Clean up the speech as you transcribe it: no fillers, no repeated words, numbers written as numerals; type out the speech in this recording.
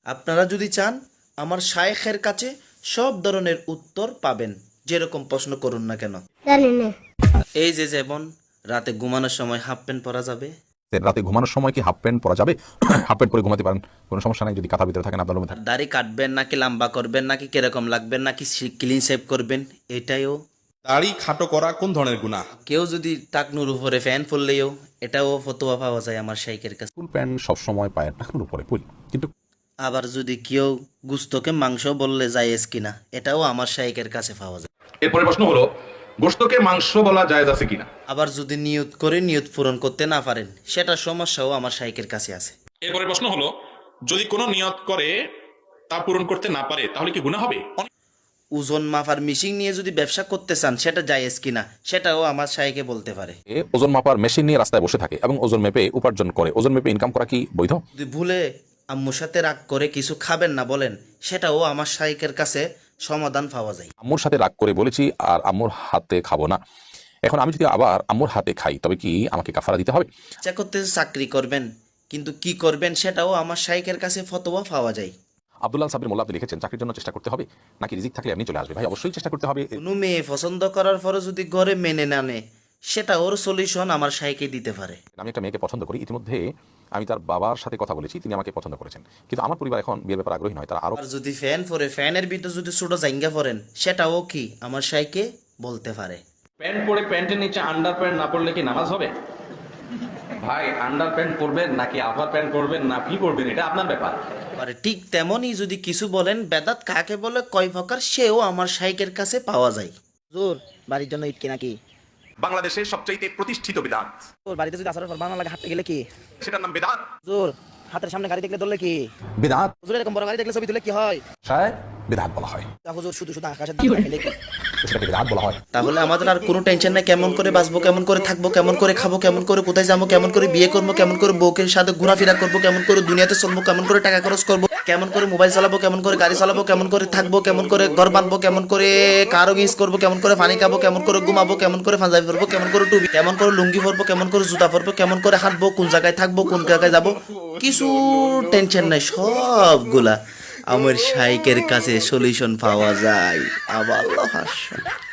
আপনারা যদি চান আমার শায়েখের কাছে সব ধরনের উত্তর পাবেন, যেরকম প্রশ্ন করুন না কেন। জানি না। এই যে যেমন রাতে ঘুমানোর সময় হাফ প্যান্ট পরা যাবে? রাতে ঘুমানোর সময় কি হাফ প্যান্ট পরা যাবে? হাফ প্যান্ট পরে ঘুমাতে পারেন, কোনো সমস্যা নাই যদি কাঁথার ভিতরে থাকেন আপনার রুমে থাকেন। দাড়ি কাটবেন নাকি লম্বা করবেন নাকি কিরকম লাগবেন নাকি ক্লিন শেভ করবেন, এটাইও। দাড়ি খাটো করা কোন ধরনের গুনাহ? কেউ যদি টাকনুর উপরে ফ্যান পরলেও এটাও ফতোয়া পাওয়া যায় আমার শাইখের কাছে। ফুল প্যান্ট সবসময় পায়ের টাকনুর উপরে পরি, কিন্তু আবার যদি কেউ গুস্তকে মাংস বললে জায়েজ কিনা, এটাও আমার শাইখের কাছে পাওয়া যায়। এরপরে প্রশ্ন হলো, গোশতকে মাংস বলা জায়েজ আছে কিনা? আবার যদি নিয়ত করে নিয়ত পূরণ করতে না পারেন, সেটা সমস্যাও আমার শাইখের কাছে আছে। এরপরে প্রশ্ন হলো, যদি কোনো নিয়ত করে তা পূরণ করতে না পারে তাহলে কি গুনাহ হবে? ওজন মাপার মেশিন নিয়ে যদি ব্যবসা করতে চান, সেটা জায়েজ কিনা, সেটাও আমার শাইখে বলতে পারে। ওজন মাপার মেশিন নিয়ে রাস্তায় বসে থাকে এবং ওজন মেপে উপার্জন করে, ওজন মেপে ইনকাম করা কি বৈধ? যদি ভুলে আম্মুর সাথে রাগ করে কিছু খাবেন না বলেন, সেটাও আমার শাইখের কাছে সমাধান পাওয়া যায়। আম্মুর সাথে রাগ করে বলেছি আর আম্মুর হাতে খাবো না, এখন আমি যদি আবার আম্মুর হাতে খাই তবে কি আমাকে কাফারা দিতে হবে? ইচ্ছা করতে চাকরি করবেন, কিন্তু কি করবেন সেটাও আমার শাইখের কাছে ফতোয়া পাওয়া যায়। আব্দুল্লাহ সাবির মোল্লা আপনি লিখেছেন, চাকরির জন্য চেষ্টা করতে হবে নাকি রিজিক থাকলে এমনি চলে আসবে? ভাই অবশ্যই চেষ্টা করতে হবে। কোনো মেয়ে পছন্দ করার পরও যদি ঘরে মেনে না নেয়, সেটা ওর সলিউশন আমার শাইখে দিতে পারে। আমি একটা মেয়েকে পছন্দ করি, ইতিমধ্যে আমি তার বাবার সাথে কথা বলেছি, তিনি আমাকে পছন্দ করেছেন, কিন্তু আমার পরিবার এখন বিয়ের ব্যাপারে আগ্রহী নয়, তারা আরো। আর যদি ফ্যান পরে ফ্যানের ভিতর যদি ছোট জাইঙ্গা পরেন, সেটাও কি আমার শাইখে বলতে পারে। প্যান্ট পরে প্যান্টের নিচে আন্ডার প্যান্ট না পরলে কি নামাজ হবে? ভাই আন্ডার প্যান্ট পরবেন নাকি আপার প্যান্ট পরবেন না কি পরবেন এটা আপনার ব্যাপার। আরে ঠিক তেমনই যদি কিছু বলেন বেদাত কাকে বলে কয় প্রকার, সেও আমার শাইখের কাছে পাওয়া যায়। জোর বাড়ির জন্য ইট কিনা কি? বাংলাদেশের সবচাইতে প্রতিষ্ঠিত বিদআত, তোর বাড়িতে যদি আসার পর বাংলা লাগে হাঁটতে গেলে কি? সেটার নাম বিদআত। জোর হাতের সামনে গাড়ি দেখলে ধরলে কি? বিদআত হুজুর এরকম বড় গাড়ি দেখলে ছবি তুলে কি হয়? বিদআত বলা হয়, তা হুজুর শুধু শুধু আকাশের দিকে তাকাইলে কি? সেটাকে বিদআত বলা হয়। তাহলে আমাদের আর কোনো টেনশন নাই, কেমন করে বাঁচবো, কেমন করে থাকবো, কেমন করে খাবো, কেমন করে কোথায় যাবো, কেমন করে বিয়ে করবো, কেমন করে বউকে সাথে ঘোরাফেরা করবো, কেমন করে দুনিয়াতে চলবো, কেমন করে টাকা খরচ করবো, কেমন করে মোবাইল চালাবো, কেমন করে গাড়ি চালাবো, কেমন করে থাকবো, কেমন করে ঘর বাঁধবো, কেমন করে কারো ইউজ করবো, কেমন করে পানি খাবো, কেমন করে ঘুমাবো, কেমন করে পাঞ্জাবি পরবো, কেমন করে টুপি, কেমন করে লুঙ্গি পরবো, কেমন করে জুতা পরবো, কেমন করে হাঁটবো, কোন জায়গায় থাকবো, কোন জায়গায় যাবো, কিছু টেনশন নাই, সবগুলা আমার শাইখের কাছে সলিউশন পাওয়া যায়। আবার আল্লাহ হাসন।